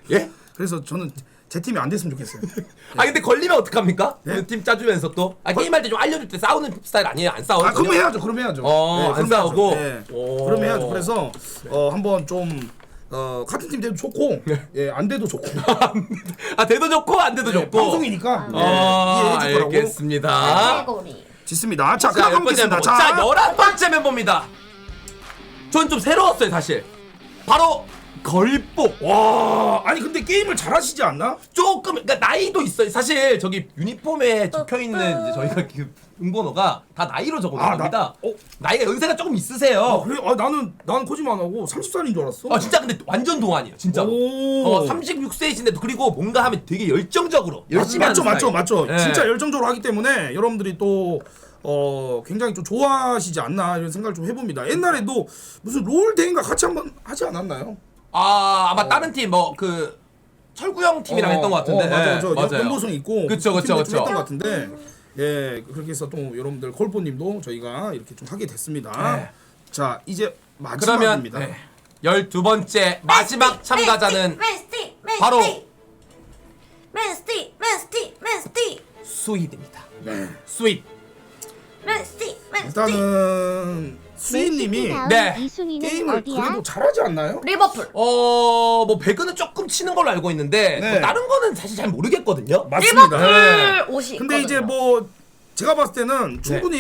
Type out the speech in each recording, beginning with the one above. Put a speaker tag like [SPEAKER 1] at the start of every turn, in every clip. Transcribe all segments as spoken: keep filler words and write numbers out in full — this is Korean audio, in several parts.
[SPEAKER 1] 예?
[SPEAKER 2] 그래서 저는 제 팀이 안 됐으면 좋겠어요.
[SPEAKER 1] 아 근데 걸리면 어떡합니까?
[SPEAKER 2] 네?
[SPEAKER 1] 그 팀 짜주면서 또 아, 게임할 때 좀 알려줄 때 싸우는 스타일 아니에요? 안 싸워요?
[SPEAKER 2] 아, 그럼
[SPEAKER 1] 전혀?
[SPEAKER 2] 해야죠. 그럼 해야죠.
[SPEAKER 1] 어, 안
[SPEAKER 2] 그럼
[SPEAKER 1] 싸우고?
[SPEAKER 2] 해야죠. 네.
[SPEAKER 1] 오.
[SPEAKER 2] 그럼 해야죠. 그래서 어, 한번 좀 어, 같은 팀 돼도 좋고, 예, 안 돼도 좋고.
[SPEAKER 1] 아 돼도 좋고 안 돼도
[SPEAKER 2] 네,
[SPEAKER 1] 좋고.
[SPEAKER 2] 방송이니까 예,
[SPEAKER 1] 어,
[SPEAKER 2] 이해해 줄 거라고.
[SPEAKER 1] 알겠습니다.
[SPEAKER 3] 개고리.
[SPEAKER 2] 짓습니다. 자,
[SPEAKER 1] 자,
[SPEAKER 2] 그럼
[SPEAKER 1] 열 번째
[SPEAKER 2] 가보겠습니다.
[SPEAKER 1] 멤버.
[SPEAKER 2] 자,
[SPEAKER 1] 자, 열한 번째 멤버입니다. 전 좀 새로웠어요, 사실. 바로 걸복.
[SPEAKER 2] 와, 아니 근데 게임을 잘하시지 않나?
[SPEAKER 1] 조금 그러니까 나이도 있어요. 사실 저기 유니폼에 적혀 있는 이제 저희가 그 응번호가 다 나이로 적어
[SPEAKER 2] 아,
[SPEAKER 1] 놓습니다.
[SPEAKER 2] 나- 어?
[SPEAKER 1] 나이가 연세가 조금 있으세요.
[SPEAKER 2] 아, 그래? 아, 나는 나는 거짓말 안 하고 서른 살인 줄 알았어.
[SPEAKER 1] 아 진짜 근데 완전 동안이에요, 진짜.
[SPEAKER 2] 오.
[SPEAKER 1] 어, 삼십육 세이신데 그리고 뭔가 하면 되게 열정적으로 열심히
[SPEAKER 2] 맞죠,
[SPEAKER 1] 하는
[SPEAKER 2] 맞죠,
[SPEAKER 1] 스타일.
[SPEAKER 2] 맞죠.
[SPEAKER 1] 예.
[SPEAKER 2] 진짜 열정적으로 하기 때문에 여러분들이 또 어, 굉장히 좀 좋아하시지 않나 이런 생각을 좀 해봅니다. 옛날에도 무슨 롤 대회인가 같이 한번 하지 않았나요?
[SPEAKER 1] 아 아마 다른 팀 뭐 그 철구형 팀이랑
[SPEAKER 2] 어,
[SPEAKER 1] 했던 것 같은데.
[SPEAKER 2] 어, 맞아요.
[SPEAKER 1] 예,
[SPEAKER 2] 저
[SPEAKER 1] 맞아요.
[SPEAKER 2] 연보성 있고
[SPEAKER 1] 그쵸,
[SPEAKER 2] 그
[SPEAKER 1] 그쵸,
[SPEAKER 2] 팀도 좀
[SPEAKER 1] 그쵸.
[SPEAKER 2] 했던 것 같은데 예 그렇게 해서 또 여러분들 콜보님도 저희가 이렇게 좀 하게 됐습니다.
[SPEAKER 1] 네.
[SPEAKER 2] 자 이제
[SPEAKER 1] 그러면
[SPEAKER 2] 마지막입니다.
[SPEAKER 1] 네. 열두 번째 마지막 참가자는
[SPEAKER 3] 맨스티, 맨스티,
[SPEAKER 1] 바로
[SPEAKER 3] 맨스티, 맨스티, 맨스티,
[SPEAKER 1] 스윗입니다.
[SPEAKER 2] 네.
[SPEAKER 1] 스윗.
[SPEAKER 3] 맨스티, 맨스티.
[SPEAKER 2] 일단은 수인님이
[SPEAKER 1] 네.
[SPEAKER 4] 이승희는
[SPEAKER 2] 게임을
[SPEAKER 4] 어디야?
[SPEAKER 2] 그래도 잘하지 않나요?
[SPEAKER 3] 리버풀.
[SPEAKER 1] 어, 뭐 배그는 조금 치는 걸로 알고 있는데
[SPEAKER 2] 네.
[SPEAKER 1] 뭐 다른 거는 사실 잘 모르겠거든요.
[SPEAKER 2] 맞습니다.
[SPEAKER 1] 네.
[SPEAKER 3] 리버풀 옷이.
[SPEAKER 2] 근데 이제
[SPEAKER 3] 있거든요.
[SPEAKER 2] 뭐 제가 봤을 때는 충분히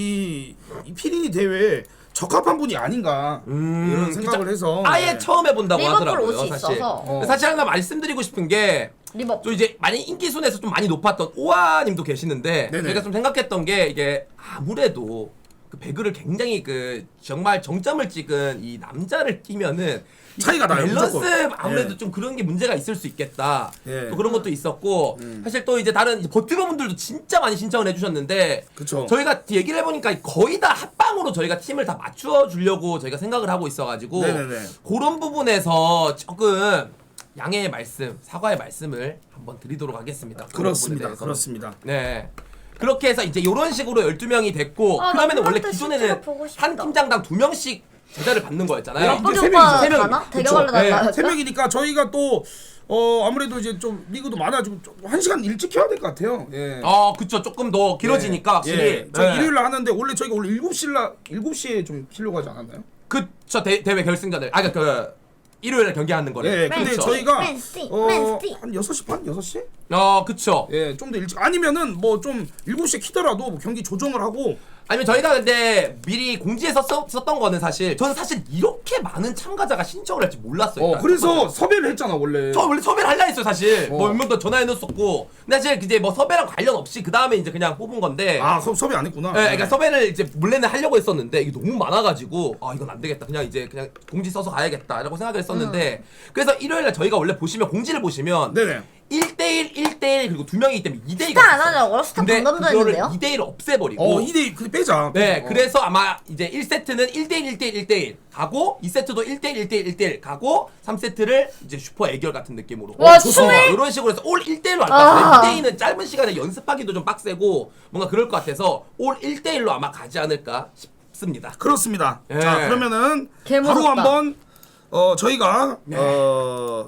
[SPEAKER 2] 이, 이 피리니 대회에 적합한 분이 아닌가
[SPEAKER 1] 음,
[SPEAKER 2] 이런 생각을
[SPEAKER 1] 진짜
[SPEAKER 2] 해서
[SPEAKER 1] 아예
[SPEAKER 2] 네.
[SPEAKER 1] 처음 해본다고
[SPEAKER 3] 리버풀
[SPEAKER 1] 하더라고요.
[SPEAKER 3] 옷이
[SPEAKER 1] 사실.
[SPEAKER 3] 있어서.
[SPEAKER 2] 어.
[SPEAKER 1] 사실 하나 말씀드리고 싶은 게.
[SPEAKER 3] 리버풀.
[SPEAKER 1] 또 이제 많이 인기 순에서 좀 많이 높았던 오아님도 계시는데
[SPEAKER 2] 네네.
[SPEAKER 1] 제가 좀 생각했던 게 이게 아무래도 그 배그를 굉장히 그 정말 정점을 찍은 이 남자를 끼면은 이
[SPEAKER 2] 차이가 나요,
[SPEAKER 1] 밸런스
[SPEAKER 2] 무조건.
[SPEAKER 1] 아무래도
[SPEAKER 2] 예.
[SPEAKER 1] 좀 그런 게 문제가 있을 수 있겠다.
[SPEAKER 2] 예.
[SPEAKER 1] 또 그런 것도 있었고
[SPEAKER 2] 음.
[SPEAKER 1] 사실 또 이제 다른 이제 버티버분들도 진짜 많이 신청을 해주셨는데
[SPEAKER 2] 그쵸.
[SPEAKER 1] 저희가 얘기를 해보니까 거의 다 합방으로 저희가 팀을 다 맞추어 주려고 저희가 생각을 하고 있어가지고
[SPEAKER 2] 네네네.
[SPEAKER 1] 그런 부분에서 조금 양해의 말씀, 사과의 말씀을 한번 드리도록 하겠습니다. 그런 부분에
[SPEAKER 2] 그렇습니다.
[SPEAKER 1] 대해서는.
[SPEAKER 2] 그렇습니다.
[SPEAKER 1] 네. 그렇게 해서 이제 이런 식으로 열두 명이 됐고
[SPEAKER 3] 아,
[SPEAKER 1] 그러면 원래
[SPEAKER 3] 남자한테
[SPEAKER 1] 기존에는
[SPEAKER 3] 실제로 보고 싶다.
[SPEAKER 1] 한 팀장당 두 명씩 제자를 받는 거였잖아요.
[SPEAKER 2] 네, 이제
[SPEAKER 3] 우리
[SPEAKER 2] 세
[SPEAKER 3] 오빠
[SPEAKER 2] 명이죠.
[SPEAKER 1] 세 명이.
[SPEAKER 3] 가나?
[SPEAKER 2] 그쵸.
[SPEAKER 3] 대결하러
[SPEAKER 1] 네.
[SPEAKER 3] 나가요.
[SPEAKER 2] 세 명이니까 저희가 또 어, 아무래도 이제 좀 리그도 많아지고 좀 한 시간 일찍 해야 될 것 같아요. 예.
[SPEAKER 1] 아, 그쵸. 조금 더 길어지니까 확실히.
[SPEAKER 2] 예. 저
[SPEAKER 1] 네.
[SPEAKER 2] 일요일 날 하는데 원래 저희가 원래 일곱 시라 일곱 시에 좀 쉬려고 하지 않았나요?
[SPEAKER 1] 그쵸. 대, 대회 결승전을. 아, 그러니까 그 일요일에 경기하는 거를.
[SPEAKER 2] 예. 근데
[SPEAKER 3] 맨시티,
[SPEAKER 2] 저희가
[SPEAKER 3] 맨시티,
[SPEAKER 2] 어,
[SPEAKER 3] 맨시티.
[SPEAKER 2] 한 여섯 시 반, 여섯 시?
[SPEAKER 1] 어, 그쵸.
[SPEAKER 2] 예, 좀 더 일찍 아니면은 뭐 좀 일곱 시에 키더라도 뭐 경기 조정을 하고
[SPEAKER 1] 아니면 저희가 근데 미리 공지해서 써, 썼던 거는 사실 저는 사실 이렇게 많은 참가자가 신청을 할지 몰랐어요.
[SPEAKER 2] 어,
[SPEAKER 1] 일단.
[SPEAKER 2] 그래서 섭외를 했잖아, 원래.
[SPEAKER 1] 저 원래 섭외를 할라 했어요 사실.
[SPEAKER 2] 어.
[SPEAKER 1] 뭐 몇 명 더 전화해 놨었고. 근데 사실 이제 뭐 섭외랑 관련 없이 그 다음에 이제 그냥 뽑은 건데.
[SPEAKER 2] 아, 섭- 섭외 안 했구나.
[SPEAKER 1] 예, 그러니까 섭외를 이제 몰래는 하려고 했었는데 이게 너무 많아가지고 아 이건 안 되겠다. 그냥 이제 그냥 공지 써서 가야겠다라고 생각을 했었는데 그래서 일요일날 저희가 원래 보시면 공지를 보시면
[SPEAKER 2] 네네.
[SPEAKER 1] 일 대일, 일 대일 그리고 두 명이기 때문에 이 대이가
[SPEAKER 3] 스타 안 하냐고요? 스타
[SPEAKER 1] 근데
[SPEAKER 3] 방금도
[SPEAKER 1] 그거를
[SPEAKER 3] 했는데요?
[SPEAKER 1] 이 대일을 없애버리고
[SPEAKER 2] 어, 이 대 그 빼자.
[SPEAKER 1] 네,
[SPEAKER 2] 어.
[SPEAKER 1] 그래서 아마 이제 일 세트는 일 대일, 일 대일, 일 대일 가고 이 세트도 일 대일, 일 대일, 일 대일 가고 삼 세트를 이제 슈퍼 애결 같은 느낌으로
[SPEAKER 3] 와,
[SPEAKER 1] 좋습니다.
[SPEAKER 3] 추해?
[SPEAKER 1] 이런 식으로 해서 올 일 대일로 할 것
[SPEAKER 3] 아.
[SPEAKER 1] 같아요. 이 대일은 짧은 시간에 연습하기도 좀 빡세고 뭔가 그럴 것 같아서 올 일 대일로 아마 가지 않을까 싶습니다.
[SPEAKER 2] 그렇습니다.
[SPEAKER 1] 예.
[SPEAKER 2] 자, 그러면은
[SPEAKER 3] 개
[SPEAKER 2] 바로
[SPEAKER 3] 무섭다.
[SPEAKER 2] 한번 어, 저희가
[SPEAKER 1] 네.
[SPEAKER 2] 어,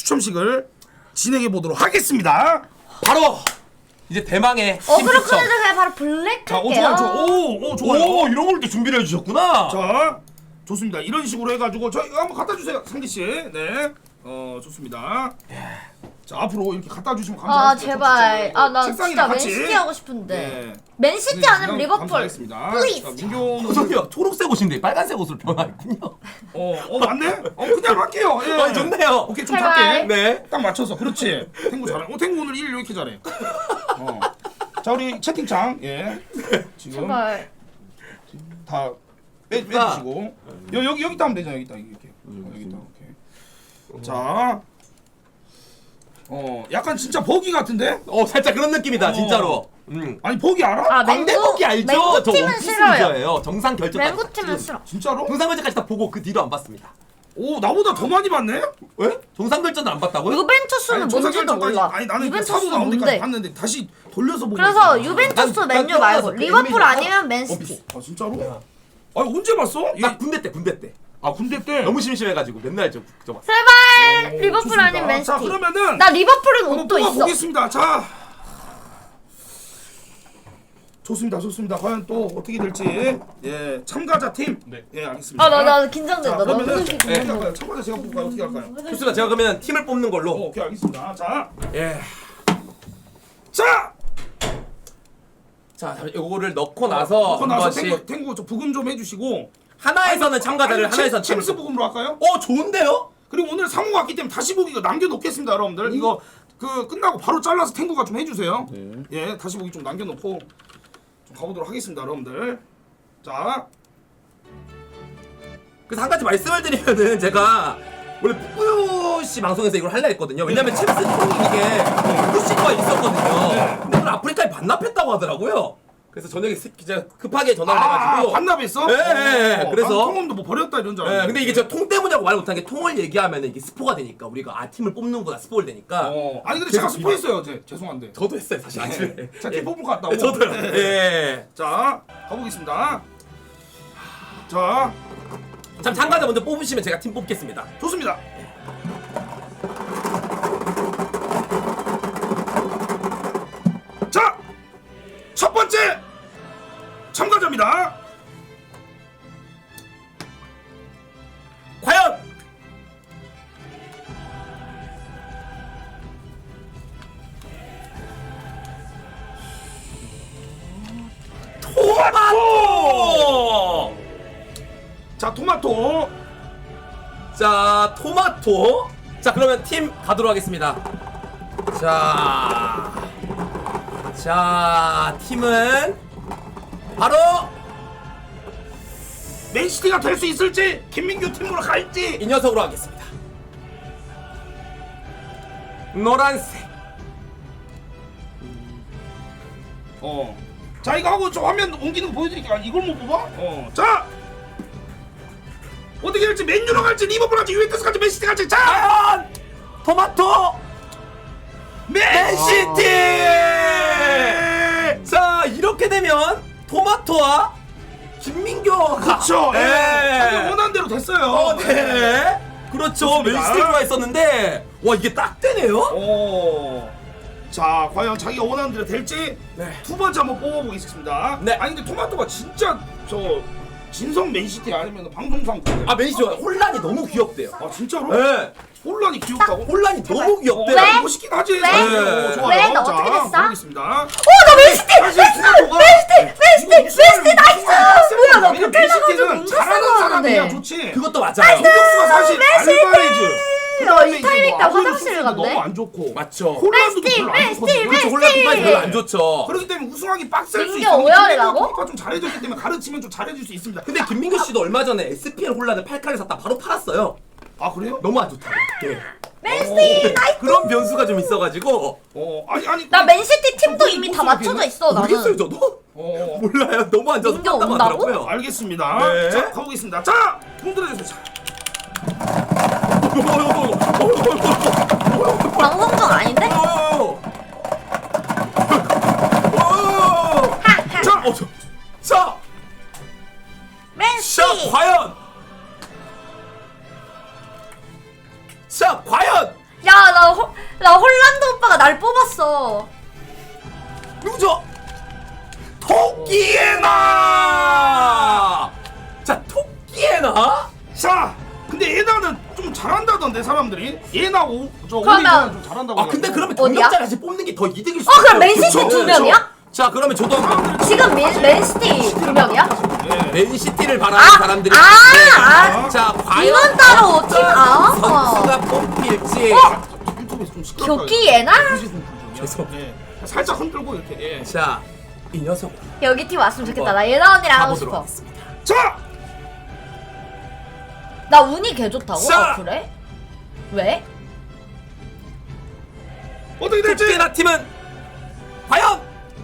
[SPEAKER 2] 추첨식을 진행해 보도록 하겠습니다.
[SPEAKER 1] 바로 이제 대망의
[SPEAKER 3] 어,
[SPEAKER 1] 팀
[SPEAKER 3] 그렇게
[SPEAKER 1] 추첨.
[SPEAKER 3] 해서 그냥 바로 블랙
[SPEAKER 2] 자, 오
[SPEAKER 3] 할게요.
[SPEAKER 2] 좋아요. 좋아. 오, 오 좋아요.
[SPEAKER 1] 오, 이런 걸 또 준비를 해주셨구나.
[SPEAKER 2] 자, 좋습니다. 이런 식으로 해가지고 저희 한번 갖다 주세요, 상기 씨. 네, 어 좋습니다. 자, 앞으로 이렇게 갖다 주시면
[SPEAKER 3] 아
[SPEAKER 2] 감사하겠습니다.
[SPEAKER 3] 제발. 아 나
[SPEAKER 2] 책상이랑
[SPEAKER 3] 진짜
[SPEAKER 2] 같이.
[SPEAKER 3] 맨시티 하고 싶은데.
[SPEAKER 2] 네.
[SPEAKER 3] 맨시티 아니면 리버풀.
[SPEAKER 2] 감사하겠습니다.
[SPEAKER 3] Please.
[SPEAKER 2] 자, 민교는
[SPEAKER 1] 호성이요, 초록색 옷인데 빨간색 옷으로 변화했군요.
[SPEAKER 2] 어, 어 맞네. 어 그냥 할게요. 예.
[SPEAKER 1] 아, 좋네요.
[SPEAKER 2] 오케이 좀
[SPEAKER 3] 제발.
[SPEAKER 2] 작게.
[SPEAKER 1] 네.
[SPEAKER 2] 딱 맞춰서. 그렇지. 탱구 잘해. 어 탱구 오늘 일 이렇게 잘해. 어. 자 우리 채팅창 예. 지금
[SPEAKER 3] 제발.
[SPEAKER 2] 다 빼, 빼주시고 여, 여기 여기 따면 되잖아. 여기 따 이렇게. 어, 여기 따 오케이. 자. 어 약간 진짜 버기 같은데?
[SPEAKER 1] 어, 살짝 그런 느낌이다,
[SPEAKER 2] 어.
[SPEAKER 1] 진짜로. 음.
[SPEAKER 2] 아니 버기 알아?
[SPEAKER 3] 아
[SPEAKER 1] 광대
[SPEAKER 3] 맹구.
[SPEAKER 1] 뽑기 알죠?
[SPEAKER 3] 맹구
[SPEAKER 1] 저
[SPEAKER 3] 팀은
[SPEAKER 1] 원피스
[SPEAKER 3] 싫어요.
[SPEAKER 1] 유저예요. 정상 결정까지.
[SPEAKER 3] 맹구 팀은 싫어.
[SPEAKER 2] 진짜로?
[SPEAKER 1] 정상 결정까지 다 보고 그 뒤로 안 봤습니다.
[SPEAKER 2] 오 나보다 더 많이 봤네?
[SPEAKER 1] 왜? 정상 결정도 안 봤다고요?
[SPEAKER 3] 유벤투스는
[SPEAKER 2] 아니, 정상
[SPEAKER 3] 뭔지도
[SPEAKER 2] 결정까지-
[SPEAKER 3] 몰라.
[SPEAKER 2] 아니 나는 그
[SPEAKER 3] 유벤투스
[SPEAKER 2] 사도 나온 데까지
[SPEAKER 3] 뭔데?
[SPEAKER 2] 봤는데 다시 돌려서 보고
[SPEAKER 3] 그래서
[SPEAKER 2] 있어.
[SPEAKER 3] 유벤투스
[SPEAKER 1] 난-
[SPEAKER 3] 맨유
[SPEAKER 1] 난
[SPEAKER 3] 말고
[SPEAKER 1] 뛰어나서
[SPEAKER 3] 리버풀
[SPEAKER 1] 그
[SPEAKER 3] 아니면 맨시티.
[SPEAKER 2] 아 진짜로? 아니 언제 봤어?
[SPEAKER 1] 나 군대 때, 군대 때.
[SPEAKER 2] 아 군대 때
[SPEAKER 1] 너무 심심해가지고 맨날 저, 저 봤어.
[SPEAKER 3] 제발
[SPEAKER 2] 오,
[SPEAKER 3] 리버풀
[SPEAKER 2] 좋습니다.
[SPEAKER 3] 아니면 맨시티.
[SPEAKER 2] 자 그러면은
[SPEAKER 3] 나 리버풀은
[SPEAKER 2] 한번
[SPEAKER 3] 옷도 있어.
[SPEAKER 2] 뽑아보겠습니다. 자 좋습니다, 좋습니다. 과연 또 어떻게 될지 예 참가자 팀.
[SPEAKER 4] 네.
[SPEAKER 2] 예 알겠습니다.
[SPEAKER 3] 아 나 나
[SPEAKER 2] 자
[SPEAKER 3] 긴장된다. 나
[SPEAKER 2] 그러면은
[SPEAKER 3] 솔직히
[SPEAKER 2] 어떻게
[SPEAKER 3] 긴장돼.
[SPEAKER 2] 할까요? 참가자 제가 뽑을까요? 어떻게 할까요?
[SPEAKER 1] 좋습니다. 제가 그러면 팀을 뽑는
[SPEAKER 2] 어,
[SPEAKER 1] 걸로.
[SPEAKER 2] 오케이 알겠습니다. 자,
[SPEAKER 1] 예.
[SPEAKER 2] 자,
[SPEAKER 1] 자, 요거를 넣고 나서
[SPEAKER 2] 넣고
[SPEAKER 1] 한
[SPEAKER 2] 나서
[SPEAKER 1] 번씩
[SPEAKER 2] 탱구 탱구 좀 부금 좀 해주시고.
[SPEAKER 1] 하나에서는 참가자를
[SPEAKER 2] 아니,
[SPEAKER 1] 하나에서는
[SPEAKER 2] 챔-
[SPEAKER 1] 팀을
[SPEAKER 2] 챔스
[SPEAKER 1] 뽑-
[SPEAKER 2] 부금으로 할까요?
[SPEAKER 1] 어, 좋은데요?
[SPEAKER 2] 그리고 오늘 상호가 왔기 때문에 다시 보기 이거 남겨놓겠습니다, 여러분들. 이거 그 끝나고 바로 잘라서 탱구가 좀 해주세요. 예, 다시 보기 좀 남겨놓고 좀 가보도록 하겠습니다, 여러분들. 자,
[SPEAKER 1] 그래서 한 가지 말씀을 드리면은 제가 원래 뿌뿌 씨 방송에서 이걸 하려 했거든요. 왜냐면 챔스 팀이 이게 뿌뿌 씨가 있었거든요. 근데 오늘 아프리카에 반납했다고 하더라고요. 그래서 저녁에 스- 진짜 급하게 전화를
[SPEAKER 2] 아,
[SPEAKER 1] 해가지고
[SPEAKER 2] 반납했어?
[SPEAKER 1] 예, 예, 예. 그래서-
[SPEAKER 2] 통음도 뭐 버렸다 이런 줄
[SPEAKER 1] 예,
[SPEAKER 2] 알았는데.
[SPEAKER 1] 근데 이게 저 통 때문이라고 말 못한 게 통을 얘기하면 이게 스포가 되니까 우리가 아 팀을 뽑는구나 스포를 되니까
[SPEAKER 2] 어, 아니 근데 제가
[SPEAKER 1] 계속
[SPEAKER 2] 스포했어요, 어제. 죄송한데.
[SPEAKER 1] 저도 했어요 사실 아침에.
[SPEAKER 2] 제가
[SPEAKER 1] 예.
[SPEAKER 2] 팀 뽑을 것 같다고.
[SPEAKER 1] 예, 저도요.
[SPEAKER 2] 네.
[SPEAKER 1] 예.
[SPEAKER 2] 자, 가보겠습니다. 자,
[SPEAKER 1] 참 참가자 먼저 뽑으시면 제가 팀 뽑겠습니다.
[SPEAKER 2] 좋습니다. 자, 첫 번째 참가자입니다.
[SPEAKER 1] 과연 토마토!
[SPEAKER 2] 자, 토마토.
[SPEAKER 1] 자, 토마토. 자, 그러면 팀 가도록 하겠습니다. 자, 자, 팀은 바로
[SPEAKER 2] 맨시티가 될 수 있을지, 김민규 팀으로 갈지.
[SPEAKER 1] 이 녀석으로 하겠습니다. 노란색.
[SPEAKER 2] 어. 자, 이거 하고 저 화면 옮기는 거 보여드릴게요. 아니, 이걸 못 뽑아? 어. 자, 어떻게 될지 맨유로 갈지, 리버풀 갈지, 유벤투스 갈지, 맨시티 갈지. 자,
[SPEAKER 1] 과연 토마토 맨시티. 자, 이렇게 되면 토마토와 김민교가
[SPEAKER 2] 그렇죠. 예.
[SPEAKER 1] 예.
[SPEAKER 2] 자기 원하는 대로 됐어요.
[SPEAKER 1] 어, 네. 그렇죠.
[SPEAKER 2] 좋습니다.
[SPEAKER 1] 맨시티 들어가 있었는데 와 이게 딱 되네요.
[SPEAKER 2] 오. 자, 과연 자기가 원하는 대로 될지
[SPEAKER 1] 네.
[SPEAKER 2] 두 번째 한번 뽑아보겠습니다.
[SPEAKER 1] 네.
[SPEAKER 2] 아니 근데 토마토가 진짜 저 진성 맨시티 아니면 방송상 그래.
[SPEAKER 1] 아 맨시티 혼란이 너무 귀엽대요.
[SPEAKER 2] 아 진짜로?
[SPEAKER 1] 네.
[SPEAKER 2] 혼란이 귀엽다고?
[SPEAKER 1] 혼란이 너무 귀엽대요.
[SPEAKER 3] 왜?
[SPEAKER 2] 멋있긴 하지.
[SPEAKER 3] 왜?
[SPEAKER 2] 네. 좋아요.
[SPEAKER 3] 왜? 너
[SPEAKER 2] 자,
[SPEAKER 3] 어떻게 됐어?
[SPEAKER 2] 보겠습니다.
[SPEAKER 3] 어, 나 맨시티!
[SPEAKER 2] 사실 토마토가
[SPEAKER 3] 맨시티! 맨시티! 맨시티 나이스! 뭐야, 나
[SPEAKER 2] 왜냐면
[SPEAKER 3] 못할 나가지고
[SPEAKER 2] 맨시티는
[SPEAKER 3] 인사
[SPEAKER 2] 잘하는
[SPEAKER 3] 쓰고
[SPEAKER 2] 사람이야
[SPEAKER 3] 하는데.
[SPEAKER 2] 좋지.
[SPEAKER 1] 그것도 맞아요.
[SPEAKER 2] 공격수가 사실 알바레즈.
[SPEAKER 3] 어, 이 타이밍 때 화장실을
[SPEAKER 2] 너무
[SPEAKER 3] 갔네?
[SPEAKER 2] 안 좋고.
[SPEAKER 1] 맞죠.
[SPEAKER 2] 홀란드도
[SPEAKER 3] 맨시티!
[SPEAKER 2] 별로 안
[SPEAKER 3] 맨시티!
[SPEAKER 2] 좋거든요.
[SPEAKER 1] 그렇죠. 혼란 팀까지 별로 안 좋죠.
[SPEAKER 2] 그렇기 때문에 우승하기 빡셀 수
[SPEAKER 3] 민규
[SPEAKER 2] 있어.
[SPEAKER 3] 오열이라고?
[SPEAKER 2] 김민규가 좀 잘해줬기 때문에 가르치면 좀 잘해줄 수 있습니다.
[SPEAKER 1] 근데 김민규 씨도 얼마 전에 에스피엘 혼란을 팔 칼을 샀다 바로 팔았어요.
[SPEAKER 2] 아 그래요?
[SPEAKER 1] 너무 안 좋다고. 네.
[SPEAKER 3] 맨시티! 나이스!
[SPEAKER 1] 그런 변수가 좀 있어가지고
[SPEAKER 2] 어 아니 아니.
[SPEAKER 3] 나 맨시티 팀도
[SPEAKER 2] 좀
[SPEAKER 3] 이미
[SPEAKER 2] 좀
[SPEAKER 3] 다
[SPEAKER 2] 좀
[SPEAKER 3] 맞춰져
[SPEAKER 2] 모르겠네.
[SPEAKER 3] 있어,
[SPEAKER 1] 모르겠어요
[SPEAKER 3] 나는.
[SPEAKER 1] 저도.
[SPEAKER 2] 어
[SPEAKER 1] 몰라요. 너무 안 좋아서
[SPEAKER 3] 민규
[SPEAKER 1] 샀다고
[SPEAKER 3] 온다고?
[SPEAKER 1] 하더라고요.
[SPEAKER 2] 알겠습니다.
[SPEAKER 1] 네.
[SPEAKER 2] 자 가보겠습니다. 자 흔들어주세요. 자,
[SPEAKER 3] 방송 중 아닌데?
[SPEAKER 1] 자, 어, 저, 자,
[SPEAKER 3] 맨시티!
[SPEAKER 1] 자, 과연, 자, 과연
[SPEAKER 3] 야, 나, 호, 나 홀란드 오빠가 날 뽑았어.
[SPEAKER 1] 누구죠? 토끼에나. 자, 토끼에나.
[SPEAKER 2] 자 근데 예나는 좀 잘한다던데 사람들이. 예나 오저
[SPEAKER 3] 그러면-
[SPEAKER 2] 오리지널 좀 잘한다고.
[SPEAKER 1] 아, 근데 그러면
[SPEAKER 3] 어디야?
[SPEAKER 1] 경력자를 다시 뽑는 게 더 이득일 수
[SPEAKER 3] 어,
[SPEAKER 1] 있어요.
[SPEAKER 3] 그럼 맨시티
[SPEAKER 1] 그쵸?
[SPEAKER 3] 두 명이야?
[SPEAKER 1] 자, 그러면 저도 한번
[SPEAKER 3] 지금 맨, 맨시티 두 명이야?
[SPEAKER 1] 맨시티를 바라는
[SPEAKER 3] 아,
[SPEAKER 1] 사람들이
[SPEAKER 3] 아,
[SPEAKER 1] 있는데,
[SPEAKER 3] 아.
[SPEAKER 1] 자, 과연
[SPEAKER 3] 이건 따로
[SPEAKER 1] 어떤
[SPEAKER 3] 팀, 아.
[SPEAKER 1] 선수가 뽑힐지.
[SPEAKER 2] 유튜브에서 좀 시끄럽다.
[SPEAKER 3] 교기예나?
[SPEAKER 1] 죄송.
[SPEAKER 2] 예. 살짝 흔들고 이렇게. 예.
[SPEAKER 1] 자, 이 녀석
[SPEAKER 3] 여기 팀 왔으면 좋겠다. 나 예나 언니랑 하고
[SPEAKER 1] 가보도록
[SPEAKER 3] 싶어.
[SPEAKER 1] 하겠습니다.
[SPEAKER 2] 자
[SPEAKER 3] 나 운이 개 좋다고?
[SPEAKER 1] 자.
[SPEAKER 3] 아, 그래? 왜?
[SPEAKER 2] 어떻게 될지.
[SPEAKER 1] 토끼에나 팀은 과연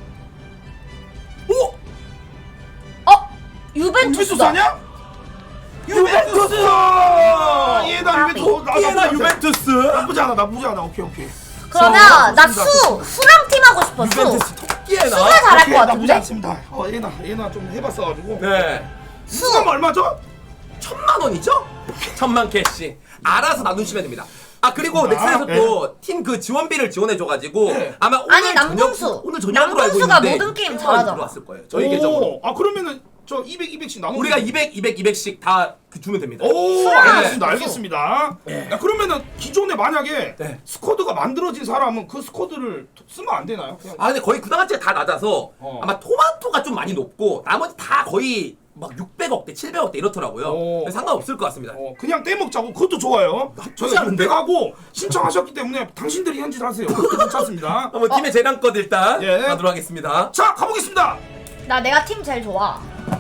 [SPEAKER 1] 오!
[SPEAKER 3] 어?
[SPEAKER 2] 유벤투스
[SPEAKER 3] 유벤투스다.
[SPEAKER 2] 아니야?
[SPEAKER 1] 유벤투스!
[SPEAKER 2] 예나 유벤투스. 나-
[SPEAKER 1] 토끼에나
[SPEAKER 2] 나쁘지 않아.
[SPEAKER 1] 유벤투스!
[SPEAKER 2] 나쁘지 않아 나쁘지 않아. 오케이 오케이.
[SPEAKER 3] 그러면
[SPEAKER 2] 자,
[SPEAKER 3] 나
[SPEAKER 2] 좋습니다.
[SPEAKER 3] 수! 수랑 팀 하고 싶어, 수!
[SPEAKER 1] 유벤투스 토끼에나.
[SPEAKER 3] 수가 잘할
[SPEAKER 2] 오케이,
[SPEAKER 3] 것
[SPEAKER 2] 나쁘지
[SPEAKER 3] 같은데?
[SPEAKER 2] 않습니다. 어 예나 예나 좀 해봤어가지고.
[SPEAKER 1] 네.
[SPEAKER 2] 수가 얼마죠?
[SPEAKER 1] 천만 원이죠? 천만 캐시. 알아서 나누시면 됩니다. 아 그리고
[SPEAKER 2] 아,
[SPEAKER 1] 넥슨에서
[SPEAKER 2] 네.
[SPEAKER 1] 또 팀 그 지원비를 지원해줘가지고
[SPEAKER 2] 네.
[SPEAKER 1] 아마 오늘
[SPEAKER 3] 아니, 남동수.
[SPEAKER 1] 저녁, 오늘 저녁으로 알고
[SPEAKER 3] 남동수가
[SPEAKER 1] 있는데
[SPEAKER 3] 모든 게임
[SPEAKER 1] 이천 원
[SPEAKER 3] 잘하잖아.
[SPEAKER 1] 들어왔을 거예요. 저희 계정으로.
[SPEAKER 2] 아 그러면은 저 이백, 이백씩 나눠.
[SPEAKER 1] 우리가 이백, 이백, 이백씩 다 그 주면 됩니다.
[SPEAKER 2] 오, 알겠습니다, 알겠습니다.
[SPEAKER 1] 네.
[SPEAKER 2] 야, 그러면은 기존에 만약에
[SPEAKER 1] 네.
[SPEAKER 2] 스쿼드가 만들어진 사람은 그 스쿼드를 쓰면 안 되나요? 그냥
[SPEAKER 1] 아 근데 거의 구단가치가 다 낮아서
[SPEAKER 2] 어.
[SPEAKER 1] 아마 토마토가 좀 많이 높고 나머지 다 거의 막 육백억대, 칠백억대 이렇더라고요.
[SPEAKER 2] 오.
[SPEAKER 1] 근데 상관없을 것 같습니다.
[SPEAKER 2] 어, 그냥 떼먹자고 그것도 좋아요. 저희가
[SPEAKER 1] 않은데?
[SPEAKER 2] 육백하고 신청하셨기 때문에 당신들이 현질하세요. 그것도 괜찮습니다.
[SPEAKER 1] 한번 팀의 재량껏 일단
[SPEAKER 2] 예.
[SPEAKER 1] 가도록 하겠습니다.
[SPEAKER 2] 자, 가보겠습니다.
[SPEAKER 3] 나 내가 팀 제일 좋아.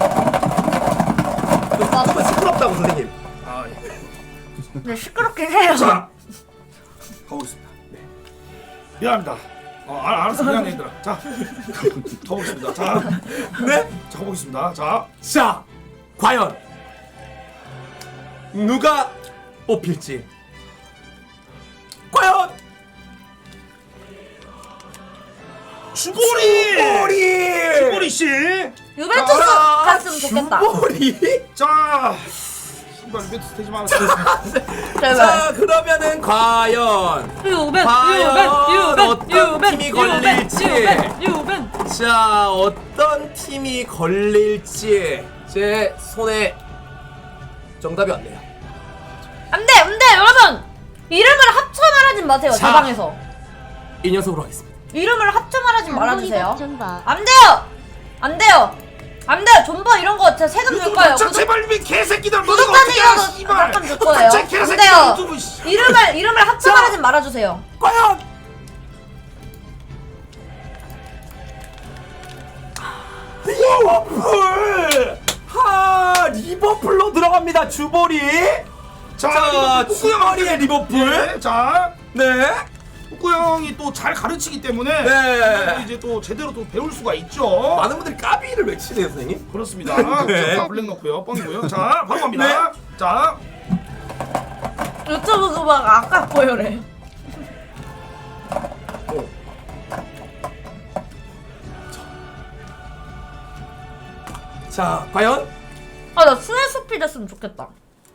[SPEAKER 1] 조금 시끄럽다고 선생님.
[SPEAKER 2] 아, 예.
[SPEAKER 3] 근데 시끄럽긴 해요.
[SPEAKER 2] 자, 가보겠습니다. 네. 미안합니다. 어, 알, 알았어, 미안해 얘들아. 자, 가보겠습니다. 자,
[SPEAKER 1] 네?
[SPEAKER 2] 자, 가보겠습니다. 자,
[SPEAKER 1] 자, 과연 누가 뽑힐지. 과연
[SPEAKER 2] 주보리!
[SPEAKER 1] 주보리!
[SPEAKER 2] 주보리 씨.
[SPEAKER 3] 유벤투스
[SPEAKER 1] 아,
[SPEAKER 3] 갔으면 좋겠다.
[SPEAKER 1] 주보리?
[SPEAKER 2] 자, 신발 유벤투스 되지 마라.
[SPEAKER 3] 제발.
[SPEAKER 1] 자, 그러면은 과연
[SPEAKER 3] 유벤,
[SPEAKER 1] 과연
[SPEAKER 3] 유벤,
[SPEAKER 1] 어떤
[SPEAKER 3] 유벤,
[SPEAKER 1] 팀이
[SPEAKER 3] 유벤,
[SPEAKER 1] 걸릴지.
[SPEAKER 3] 유벤, 유벤.
[SPEAKER 1] 자, 어떤 팀이 걸릴지 제 손에 정답이 왔네요.
[SPEAKER 3] 안 돼, 안 돼, 여러분. 이름을 합쳐 말하지 마세요.
[SPEAKER 1] 자.
[SPEAKER 3] 제 방에서.
[SPEAKER 1] 이 녀석으로 하겠습니다.
[SPEAKER 3] 이름을 합쳐 말하지 말아주세요.
[SPEAKER 4] 존버.
[SPEAKER 3] 안 돼요. 안 돼요. 안 돼요. 존버 이런 거 제가 세금 줄 거예요.
[SPEAKER 2] 자,
[SPEAKER 3] 구독-
[SPEAKER 2] 제발 이 개새끼들
[SPEAKER 3] 구독자님 이거 세금 줄 거예요.
[SPEAKER 2] 제
[SPEAKER 3] 안
[SPEAKER 2] 개새끼들
[SPEAKER 3] 돼요.
[SPEAKER 2] 유튜브 씨.
[SPEAKER 3] 이름을 이름을 합쳐
[SPEAKER 1] 자.
[SPEAKER 3] 말하지 말아주세요.
[SPEAKER 1] 과연 리버풀! 하, 리버풀로 들어갑니다. 주보리.
[SPEAKER 2] 자,
[SPEAKER 1] 자,
[SPEAKER 2] 리버풀
[SPEAKER 1] 주보리의 리버풀.
[SPEAKER 2] 네, 자,
[SPEAKER 1] 네.
[SPEAKER 2] 북구 형이 또 잘 가르치기 때문에
[SPEAKER 1] 네.
[SPEAKER 2] 이제 또 제대로 또 배울 수가 있죠.
[SPEAKER 1] 많은 분들이 까비를 외치네요, 선생님.
[SPEAKER 2] 그렇습니다.
[SPEAKER 1] 네.
[SPEAKER 2] 자, 블랙 넣고요. 뻥이고요. 자, 바로 갑니다.
[SPEAKER 1] 네.
[SPEAKER 2] 자,
[SPEAKER 3] 유튜브 그막 아까 보여래.
[SPEAKER 1] 자, 과연
[SPEAKER 3] 아 나 스네스피 됐으면 좋겠다.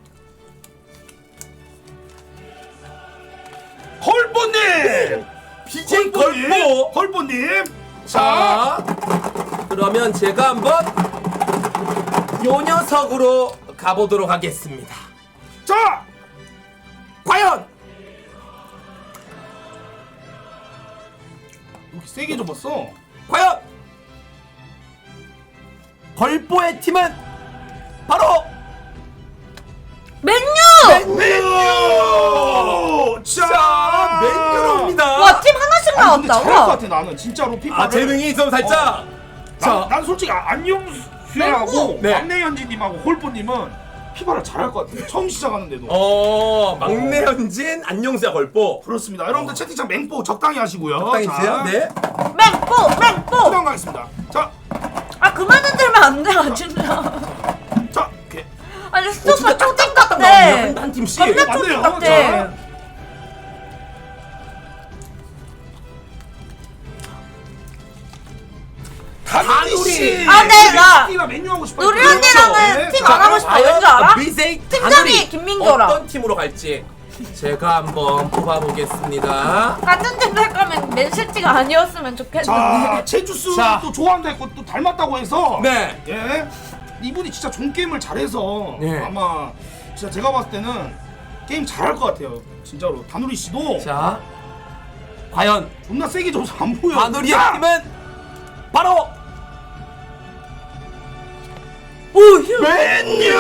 [SPEAKER 2] 헐보님!
[SPEAKER 1] 비제이 걸보.
[SPEAKER 2] 헐보님! 자,
[SPEAKER 1] 자, 그러면 제가 한번 요 녀석으로 가보도록 하겠습니다.
[SPEAKER 2] 자!
[SPEAKER 1] 과연
[SPEAKER 2] 이렇게 세게 접었어.
[SPEAKER 1] 과연 걸보의 팀은 바로
[SPEAKER 3] 맨유!
[SPEAKER 2] 맨유!
[SPEAKER 1] 자, 맨유로입니다.
[SPEAKER 3] 와 팀 하나씩
[SPEAKER 2] 아니, 근데
[SPEAKER 3] 나왔다.
[SPEAKER 2] 잘할 것
[SPEAKER 3] 와.
[SPEAKER 2] 같아 나는 진짜로 피파를.
[SPEAKER 1] 아, 재능이 좀 살짝.
[SPEAKER 2] 자,
[SPEAKER 1] 자,
[SPEAKER 2] 난 솔직히 아- 안녕수하고
[SPEAKER 1] 맨유! 네.
[SPEAKER 2] 막내현진님하고 홀보님은 피파를 잘할 것 같아요. 처음 시작하는데도.
[SPEAKER 1] 어, 막내 현진, 안녕수야 걸보.
[SPEAKER 2] 그렇습니다. 여러분들 채팅창 맹보 적당히 하시고요.
[SPEAKER 1] 적당히 주세요. 네.
[SPEAKER 3] 맹뽀 맹뽀.
[SPEAKER 2] 수강 가겠습니다. 자,
[SPEAKER 3] 아 그만 흔들면 안 돼, 아, 진짜.
[SPEAKER 2] 자, 이렇게.
[SPEAKER 3] 아니 스토커 초딩 같아.
[SPEAKER 1] 한, 한 팀씩.
[SPEAKER 3] 겁나
[SPEAKER 2] 맞네요.
[SPEAKER 3] 초딩 같아.
[SPEAKER 2] 자.
[SPEAKER 1] 다누리.
[SPEAKER 3] 아, 네, 나
[SPEAKER 2] 가 맨유 하고 싶어요.
[SPEAKER 3] 누리
[SPEAKER 2] 그렇죠.
[SPEAKER 3] 언니랑은
[SPEAKER 2] 네,
[SPEAKER 3] 팀
[SPEAKER 2] 자,
[SPEAKER 3] 안 하고 싶어.
[SPEAKER 1] 과연
[SPEAKER 3] 왠줄 알아?
[SPEAKER 1] 비제이
[SPEAKER 3] 팀장이
[SPEAKER 1] 다누리
[SPEAKER 3] 김민교랑.
[SPEAKER 1] 어떤 팀으로 갈지 제가 한번 뽑아보겠습니다.
[SPEAKER 3] 같은 팀 할 거면 맨시티가 아니었으면
[SPEAKER 2] 자,
[SPEAKER 3] 좋겠는데.
[SPEAKER 2] 제주스
[SPEAKER 1] 자.
[SPEAKER 2] 또 좋아한다 했고 또 닮았다고 해서
[SPEAKER 1] 네.
[SPEAKER 2] 예. 이분이 진짜 종 게임을 잘해서
[SPEAKER 1] 네.
[SPEAKER 2] 아마 진짜 제가 봤을 때는 게임 잘할 것 같아요. 진짜로. 다누리 씨도
[SPEAKER 1] 자, 과연
[SPEAKER 2] 존나 세게 줘서 안 보여.
[SPEAKER 1] 다누리의
[SPEAKER 2] 자!
[SPEAKER 1] 팀은 바로
[SPEAKER 3] 오 휴.
[SPEAKER 2] 맨유!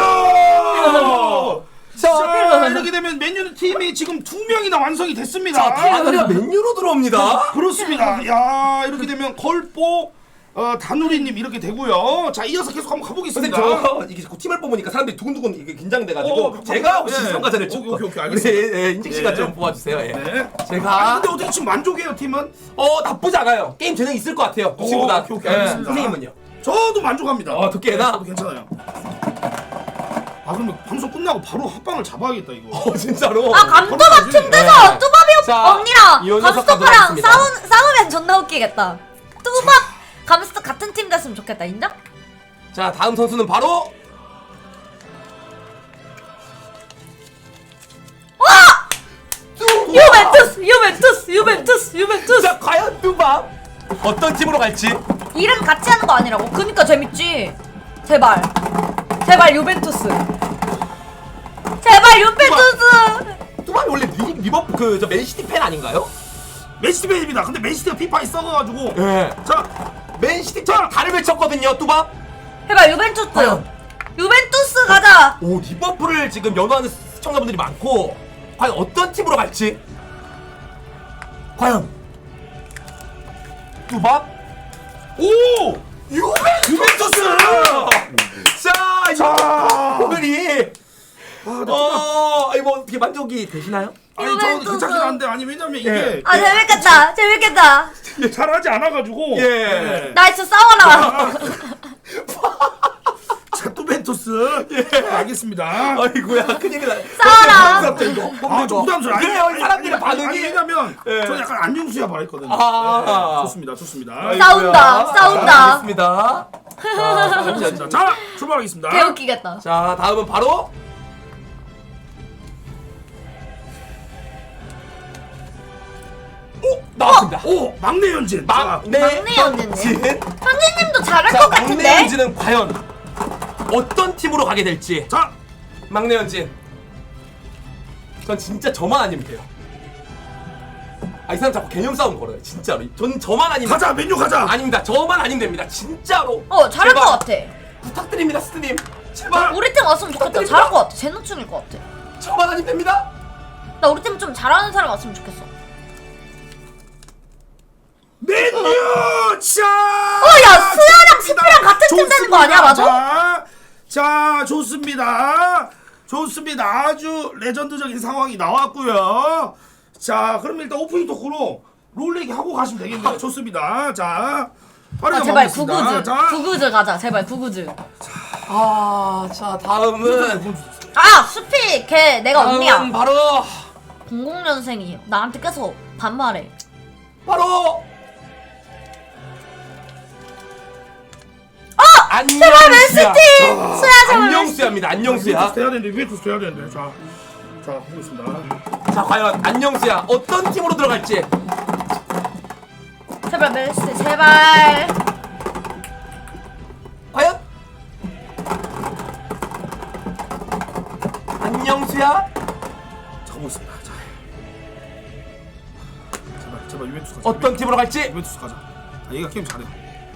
[SPEAKER 1] 자,
[SPEAKER 2] 자, 이렇게 되면 맨유 팀이 지금 두 명이나 완성이 됐습니다.
[SPEAKER 1] 자, 다누리가 맨유로 들어옵니다.
[SPEAKER 2] 그렇습니다. 야, 이렇게 되면 걸보 어, 다누리님 이렇게 되고요. 자, 이어서 계속 한번
[SPEAKER 1] 선생님
[SPEAKER 2] 가보겠습니다.
[SPEAKER 1] 저 이게 자꾸 팀을 뽑으니까 사람들이 두근두근 이게 긴장돼가지고
[SPEAKER 2] 어,
[SPEAKER 1] 제가
[SPEAKER 2] 네.
[SPEAKER 1] 혹시 평가자를
[SPEAKER 2] 오케이,
[SPEAKER 1] 좀
[SPEAKER 2] 오케이, 오케이, 알겠습니다.
[SPEAKER 1] 네, 네, 인직 씨가
[SPEAKER 2] 네.
[SPEAKER 1] 좀 뽑아주세요. 예.
[SPEAKER 2] 네. 아,
[SPEAKER 1] 제가
[SPEAKER 2] 근데 어떻게 지금 만족해요, 팀은?
[SPEAKER 1] 어 나쁘지 않아요. 게임 재능 있을 것 같아요. 그
[SPEAKER 2] 오,
[SPEAKER 1] 친구다.
[SPEAKER 2] 오케이, 오케이,
[SPEAKER 1] 예,
[SPEAKER 2] 알겠습니다.
[SPEAKER 1] 선생님은요?
[SPEAKER 2] 저도 만족합니다.
[SPEAKER 1] 어, 두께나?
[SPEAKER 2] 저도 괜찮아요. 아, 그러면 방송 끝나고 바로 합방을 잡아야겠다, 이거.
[SPEAKER 1] 어 진짜로.
[SPEAKER 3] 아 감도박
[SPEAKER 2] 걸어야지.
[SPEAKER 3] 팀 돼서
[SPEAKER 1] 네.
[SPEAKER 3] 뚜밥이
[SPEAKER 1] 자,
[SPEAKER 3] 언니랑
[SPEAKER 1] 이 녀석
[SPEAKER 3] 감스토퍼랑
[SPEAKER 1] 가도록
[SPEAKER 3] 싸우, 싸우면 존나 웃기겠다. 뚜밥 감스토 같은 팀 됐으면 좋겠다. 인정?
[SPEAKER 1] 자 다음 선수는 바로
[SPEAKER 3] 와! 유벤투스 유벤투스 유벤투스 유벤투스.
[SPEAKER 1] 자 과연 뚜밥 어떤 팀으로 갈지.
[SPEAKER 3] 이름 같이 하는 거 아니라고? 그니까 재밌지. 제발 제발 유벤투스. 제발 유벤투스.
[SPEAKER 1] 뚜밥이 원래 리, 리버 그저 맨시티 팬 아닌가요?
[SPEAKER 2] 맨시티 팬입니다. 근데 맨시티가 피파에 썩어가지고.
[SPEAKER 1] 예.
[SPEAKER 2] 자,
[SPEAKER 1] 맨시티 팬 다를 외쳤거든요 뚜밥.
[SPEAKER 3] 제발 유벤투스.
[SPEAKER 1] 과연?
[SPEAKER 3] 유벤투스 가자.
[SPEAKER 1] 오 리버풀을 지금 연호하는 시청자분들이 많고 과연 어떤 팀으로 갈지. 과연 뚜밥
[SPEAKER 2] 오!
[SPEAKER 1] 유벤투스.
[SPEAKER 2] 유벤투스!
[SPEAKER 1] 자
[SPEAKER 2] 자.
[SPEAKER 1] 오늘이
[SPEAKER 2] 아, 나
[SPEAKER 1] 어 이거 어떻게 만족이 되시나요?
[SPEAKER 2] 아니 저
[SPEAKER 3] 유벤투스.
[SPEAKER 2] 괜찮긴 한데 아니 왜냐면 이게
[SPEAKER 1] 예.
[SPEAKER 3] 아 재밌겠다 재밌겠다.
[SPEAKER 2] 예, 잘하지 않아가지고.
[SPEAKER 1] 예.
[SPEAKER 2] 예.
[SPEAKER 3] 나이스 싸워라.
[SPEAKER 2] 자, 투벤투스. 예. 알겠습니다.
[SPEAKER 1] 아이고야 큰일이다.
[SPEAKER 3] 싸워라.
[SPEAKER 1] 부담스럽죠 이거.
[SPEAKER 2] 아, 좀 부담스러워. 아니,
[SPEAKER 1] 그래요
[SPEAKER 2] 아니,
[SPEAKER 1] 사람들의
[SPEAKER 2] 아니, 아니,
[SPEAKER 1] 반응이.
[SPEAKER 2] 아니, 왜냐면
[SPEAKER 1] 예.
[SPEAKER 2] 저는 약간 안녕수야 바랬거든요.
[SPEAKER 1] 아.
[SPEAKER 2] 예, 좋습니다, 좋습니다.
[SPEAKER 1] 아이고야.
[SPEAKER 3] 싸운다, 싸운다.
[SPEAKER 1] 알겠습니다. 자,
[SPEAKER 2] 좋습니다. 자, 출발하겠습니다.
[SPEAKER 3] 개웃기겠다.
[SPEAKER 1] 자 다음은 바로 오 나왔습니다.
[SPEAKER 2] 오, 막내 연진. 자,
[SPEAKER 1] 막내
[SPEAKER 3] 막내 연진님.
[SPEAKER 1] 연진.
[SPEAKER 3] 현진님도 잘할
[SPEAKER 1] 자
[SPEAKER 3] 것
[SPEAKER 1] 막내
[SPEAKER 3] 같은데?
[SPEAKER 1] 연진은 과연 어떤 팀으로 가게 될지.
[SPEAKER 2] 자,
[SPEAKER 1] 막내 연진. 전 진짜 저만 아니면 돼요. 아 이 사람 자꾸 개념 싸움 걸어요 진짜로. 전 저만 아니면
[SPEAKER 2] 가자, 맨유 가자.
[SPEAKER 1] 아닙니다. 저만 아니면 됩니다. 진짜로.
[SPEAKER 3] 어 잘할
[SPEAKER 1] 제발.
[SPEAKER 3] 것 같아.
[SPEAKER 1] 부탁드립니다 스님. 제발.
[SPEAKER 3] 우리 팀 왔으면 좋겠다. 잘할 것 같아. 제노충일 것 같아.
[SPEAKER 1] 저만 아니면 됩니다.
[SPEAKER 3] 나 우리 팀 좀 잘하는 사람 왔으면 좋겠어.
[SPEAKER 2] 맨유. 자.
[SPEAKER 3] 어야 수야랑 스피랑 같은 팀 되는 거 아니야 맞아?
[SPEAKER 2] 자, 자, 좋습니다. 좋습니다. 아주 레전드적인 상황이 나왔고요. 자, 그럼 일단 오프닝 토크로 롤렉이 하고 가시면 되겠네요. 좋습니다. 자, 빠르게
[SPEAKER 3] 아 제발
[SPEAKER 2] 가보겠습니다.
[SPEAKER 3] 구구즈.
[SPEAKER 2] 자,
[SPEAKER 3] 구구즈 가자. 제발 구구즈.
[SPEAKER 1] 아자 다음은
[SPEAKER 3] 아 수피 걔 내가
[SPEAKER 1] 다음은
[SPEAKER 3] 언니야.
[SPEAKER 1] 바로
[SPEAKER 3] 공공 년생이 나한테 계속 반말해.
[SPEAKER 1] 바로
[SPEAKER 3] 어!
[SPEAKER 1] 안녕
[SPEAKER 3] 제발 맨시티! 수야 제발 맨시티.
[SPEAKER 1] 안녕수야입니다. 안녕수야.
[SPEAKER 2] 유벤투스 해야 되는데 유벤투스 해야 되는데. 자, 자, 보겠습니다.
[SPEAKER 1] 자 과연 안녕수야 어떤 팀으로 들어갈지.
[SPEAKER 3] 제발 맨시티 제발.
[SPEAKER 1] 과연 안녕수야
[SPEAKER 2] 자, 보겠습니다. 자, 제발, 제발 유벤투스 가자.
[SPEAKER 1] 어떤 팀으로 갈지.
[SPEAKER 2] 유벤투스 가자. 아, 얘가 게임 잘해.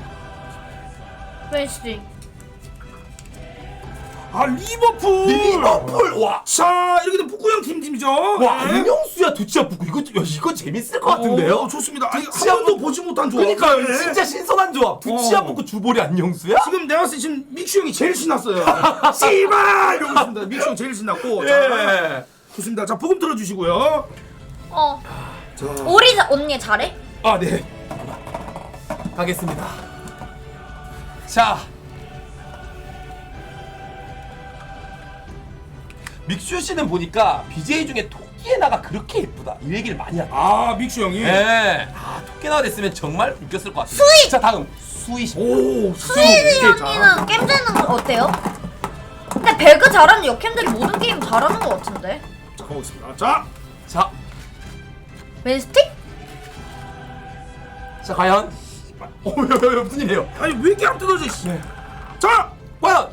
[SPEAKER 3] 맨시티.
[SPEAKER 2] 아, 리버풀.
[SPEAKER 1] 리버풀 와.
[SPEAKER 2] 자, 이렇게 되면 북구형 팀 팀이죠.
[SPEAKER 1] 와
[SPEAKER 2] 네.
[SPEAKER 1] 안녕수야 두치야 붙고 이거 야, 이거 재밌을 것 같은데요.
[SPEAKER 2] 어, 좋습니다. 아니, 한
[SPEAKER 1] 두치야
[SPEAKER 2] 번도
[SPEAKER 1] 붙-
[SPEAKER 2] 보지 못한 조합.
[SPEAKER 1] 그러니까요
[SPEAKER 2] 네.
[SPEAKER 1] 진짜 신선한 조합. 두치야
[SPEAKER 2] 어.
[SPEAKER 1] 붙고 주볼이 안녕수야.
[SPEAKER 2] 지금 내가 봤을 때 지금 믹슈 형이 제일 신났어요. 씨발 이러고 있습니다. 믹슈 형 제일 신났고. 자,
[SPEAKER 1] 예.
[SPEAKER 2] 좋습니다. 자, 부금 틀어주시고요.
[SPEAKER 3] 어.
[SPEAKER 2] 자,
[SPEAKER 3] 우리 자- 언니 잘해?
[SPEAKER 1] 아 네. 가겠습니다. 자. 믹슈 씨는 보니까 비제이 중에 토끼에나가 그렇게 예쁘다 이 얘기를 많이 하더라고요.
[SPEAKER 2] 아, 믹슈 형이.
[SPEAKER 1] 예. 아 토끼에나가 됐으면 정말 웃겼을 것 같아요.
[SPEAKER 3] 수익!
[SPEAKER 1] 자 다음 수이 씨.
[SPEAKER 2] 오,
[SPEAKER 3] 수인이
[SPEAKER 2] 자,
[SPEAKER 3] 언니는 게임 되는 거 어때요? 근데 배그 잘하는 역캠들이 모든 게임 잘하는 거 같은데?
[SPEAKER 2] 자, 가보겠습니다. 자,
[SPEAKER 1] 자,
[SPEAKER 3] 맨시티?
[SPEAKER 1] 자 과연. 어, 왜, 왜, 왜, 무슨 일이에요?
[SPEAKER 2] 아니 왜 이렇게 안 뜯어져? 씨.
[SPEAKER 1] 네.
[SPEAKER 2] 자,
[SPEAKER 1] 과연.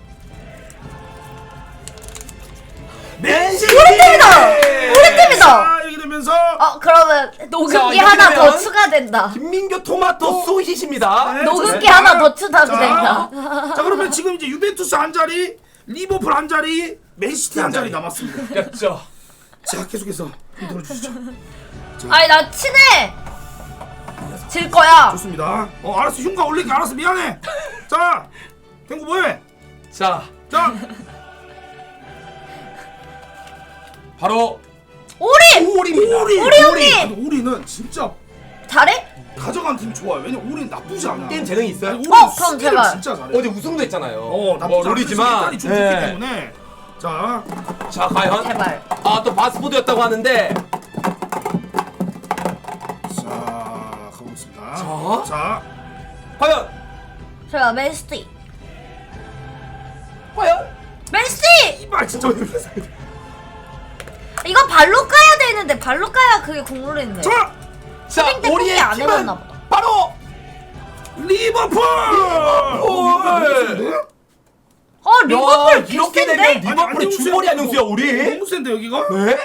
[SPEAKER 1] 맨시티.
[SPEAKER 3] 우리 팀이다! 우리 팀이다!
[SPEAKER 2] 자, 이렇게 되면서
[SPEAKER 3] 어 그러면
[SPEAKER 1] 자,
[SPEAKER 3] 녹음기
[SPEAKER 1] 이렇게
[SPEAKER 3] 하나
[SPEAKER 1] 되면
[SPEAKER 3] 더 추가된다.
[SPEAKER 1] 김민교 토마토 수희십니다.
[SPEAKER 2] 네,
[SPEAKER 3] 녹음기
[SPEAKER 2] 좋습니다.
[SPEAKER 3] 하나 더 추가가
[SPEAKER 2] 자,
[SPEAKER 3] 된다.
[SPEAKER 2] 자, 그러면 지금 이제 유벤투스 한 자리, 리버풀 한 자리, 맨시티 한 자리 남았습니다.
[SPEAKER 1] 그렇죠.
[SPEAKER 2] 자, 계속해서 힘 들어주시죠.
[SPEAKER 3] 아니 나 친해! 질 거야.
[SPEAKER 2] 좋습니다. 어, 알았어. 흉가 올릴게. 알았어. 미안해. 자, 탱구 뭐해?
[SPEAKER 1] 자,
[SPEAKER 2] 자,
[SPEAKER 1] 바로
[SPEAKER 3] 우리!
[SPEAKER 1] 오리입니다.
[SPEAKER 2] 오리.
[SPEAKER 3] 오리 형님!
[SPEAKER 2] 근데 오리는 진짜
[SPEAKER 3] 잘해?
[SPEAKER 2] 가져간 팀이 좋아요. 왜냐면 오리는 나쁘지 않아.
[SPEAKER 1] 게임 재능이 있어요?
[SPEAKER 2] 아니,
[SPEAKER 3] 어,
[SPEAKER 2] 오리는
[SPEAKER 3] 그럼
[SPEAKER 2] 수비를
[SPEAKER 3] 제발.
[SPEAKER 2] 진짜 잘해.
[SPEAKER 1] 어제 우승도 했잖아요.
[SPEAKER 2] 어, 나쁘지
[SPEAKER 1] 뭐
[SPEAKER 2] 않아.
[SPEAKER 1] 롤이지만.
[SPEAKER 2] 일단이 좀 좋기
[SPEAKER 1] 예.
[SPEAKER 2] 때문에. 자,
[SPEAKER 1] 자, 과연.
[SPEAKER 3] 제발.
[SPEAKER 1] 아, 또 바스포드였다고 하는데.
[SPEAKER 2] 자, 가보겠습니다.
[SPEAKER 1] 자.
[SPEAKER 2] 자,
[SPEAKER 1] 과연.
[SPEAKER 3] 제가 맨시티.
[SPEAKER 1] 과연.
[SPEAKER 3] 맨시티!
[SPEAKER 2] 이발 진짜.
[SPEAKER 3] 이거 발로 까야 돼 있는데 발로 까야 그게 국룰이 있네.
[SPEAKER 2] 자,
[SPEAKER 1] 자,
[SPEAKER 3] 슈팅 때
[SPEAKER 1] 우리의
[SPEAKER 3] 포기 안
[SPEAKER 1] 팀은
[SPEAKER 3] 해봤나 보다.
[SPEAKER 1] 바로
[SPEAKER 2] 리버풀!
[SPEAKER 1] 리버풀!
[SPEAKER 3] 어 리버풀
[SPEAKER 1] 야, 이렇게 되면
[SPEAKER 3] 비슷한데?
[SPEAKER 1] 리버풀이 주머리 안녕수야 우리.
[SPEAKER 2] 너무 센데 여기가?
[SPEAKER 1] 네?